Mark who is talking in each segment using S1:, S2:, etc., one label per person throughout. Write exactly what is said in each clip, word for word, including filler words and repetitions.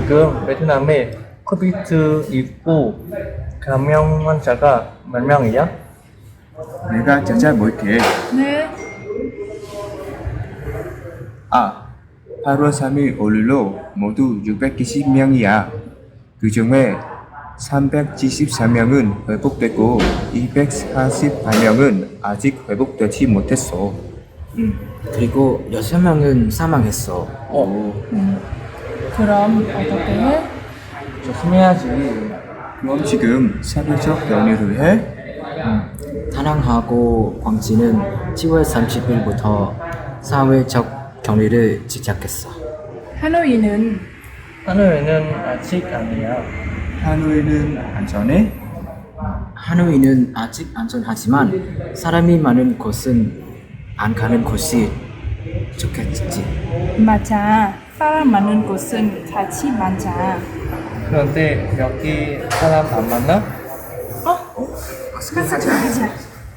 S1: 지금 베트남에 코비드 십구 감염 환자가 몇 명이야?
S2: 내가 찾아볼게.
S3: 네.
S2: 아, 팔월 삼일 오늘로 모두 육백이십 명이야. 그 중에 삼백칠십사 명은 회복됐고 이백사십팔 명은 아직 회복되지 못했어.
S4: 음, 그리고 여섯 명은 사망했어.
S1: 어,
S3: 그럼 어떻게 해?
S1: 조심해야지.
S2: 그럼 지금 사회적 격리를 해?
S4: 다낭하고 광진은 지월 삼십 일부터 사회적 격리를 시작했어.
S3: 하노이는
S1: 하늘에는 아직 아니야.
S2: 하노이는 안전해?
S4: 하노이는 아직 안전하지만 사람이 많은 곳은 안 가는 곳이 좋겠지.
S3: 맞아. 사람 많은 곳은 같이 많자.
S1: 그런데 여기 사람 안 만나?
S3: 어? 가자, 가자.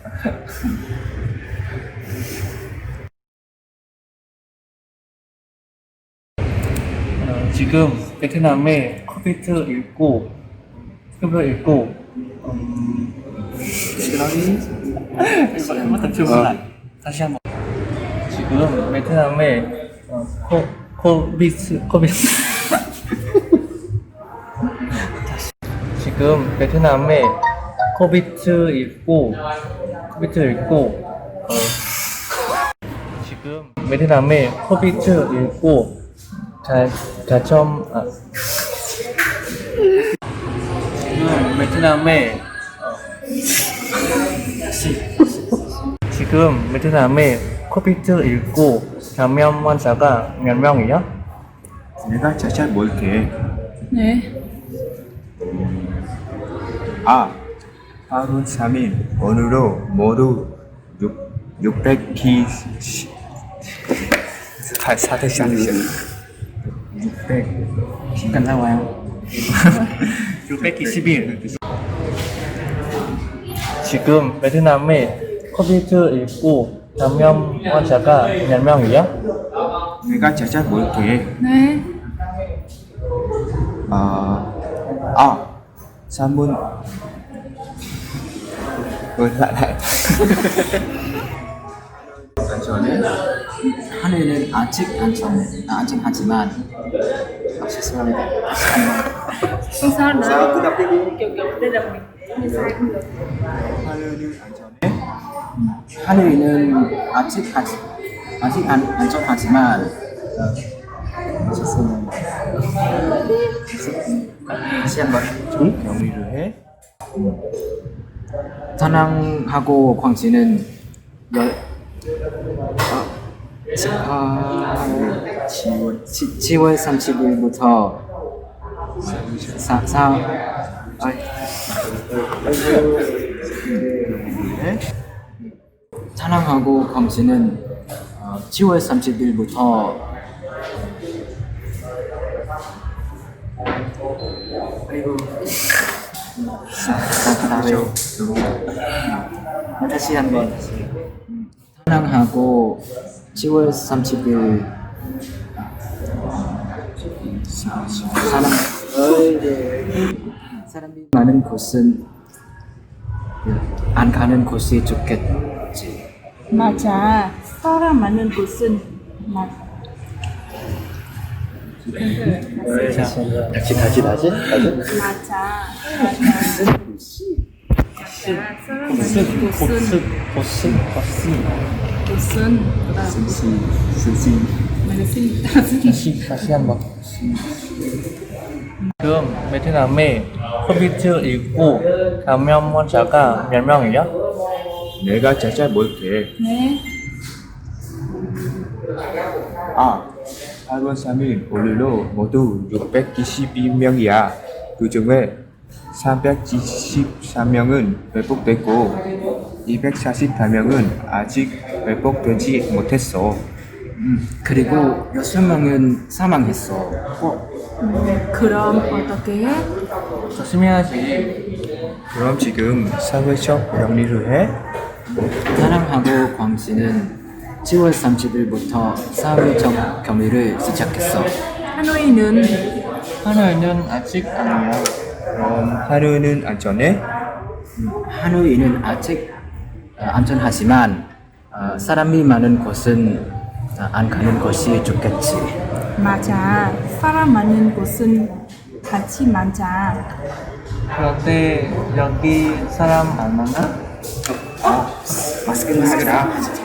S1: 어, 지금 베트남에 코비드 십구 코비드 십구 음... 다시 한번. 지금 베트남에 어, 코 코비드 코비드 지금 베트남에 코비드 십구 코비드 십구 어, 지금 베트남에 코비드 십구 가 가점 아 지금 베트남에 어, 지금 베트남에 코비드 십구 감염 환자가 몇 명이야?
S2: 내가 찾아볼게.
S3: 네.
S2: 아, 팔월 삼일 오늘로 모두 육백이십 사 사대시 사대시 육백
S4: 잠깐 나와요.
S1: 육백이십일 지금 베트남에 코비드 십구 감염 환자가 몇 명이야?
S2: 내가 찾아볼게.
S3: 네.
S2: 아, 아, 삼분 어, lại lại 안전해?
S4: 하노이는 아직 안전 안전하지만 아, 죄송합니다. 다시 한번.
S3: Không sao nữa.
S2: sao cứ đọc tiếp đi.
S3: Kiểu kiểu đây là mình mình sai không được.
S2: 하늘은 안전해?
S4: 하노이는 아직 아직 아직 안, 안전하지만 어, 죄송합니다. 다시 한번.
S2: 격리를 해?
S4: 다낭하고 광진은 열 어, 지- 아, 지월 지- 지월 삼십 일부터 사, 사, 아,
S2: 해?
S4: 다낭하고 광진은 어, 지월 삼십 일부터 아이고 사, 사, 사회 다시 한번 다낭하고 지월 삼십 일 사람 사람이 많은 곳은 안 가는 곳이 좋겠지.
S3: 맞아. 사람 많은 곳은 맞.
S1: 다시 다시 다시 다시
S3: 맞아. 맞아. 사람 많은 곳은
S1: 보스 보스 보스
S3: 곳은
S4: 스시 스시
S3: 많은
S1: 다시 다시 한번. 지금 베트남에 코비드 십구 감염 환자가 몇 명이야?
S2: 내가 찾아볼게.
S3: 네.
S2: 아, 팔월 삼일 오늘로 모두 육백이십이 명이야. 그 중에 삼백칠십사 명은 회복됐고 이백사십팔 명은 아직 회복되지 못했어.
S4: 음, 그리고 여섯 명은 사망했어.
S3: 어, 그럼 어떻게 해?
S1: 조심해야지.
S2: 그럼 지금 사회적 격리를 해?
S4: 다낭하고 광진은 지월 삼십 일부터 사회적 격리를 시작했어.
S3: 하노이는
S1: 하노이는 아직 아니야.
S2: 그럼 하루는 안전해?
S4: 하노이는 아직 어, 안전하지만 어, 사람이 많은 곳은 어, 안 가는 것이 좋겠지.
S3: 맞아. 사람 많은 곳은 같이 많자.
S1: 그런데 여기 사람 안 많아?
S4: 마스크를 하거라.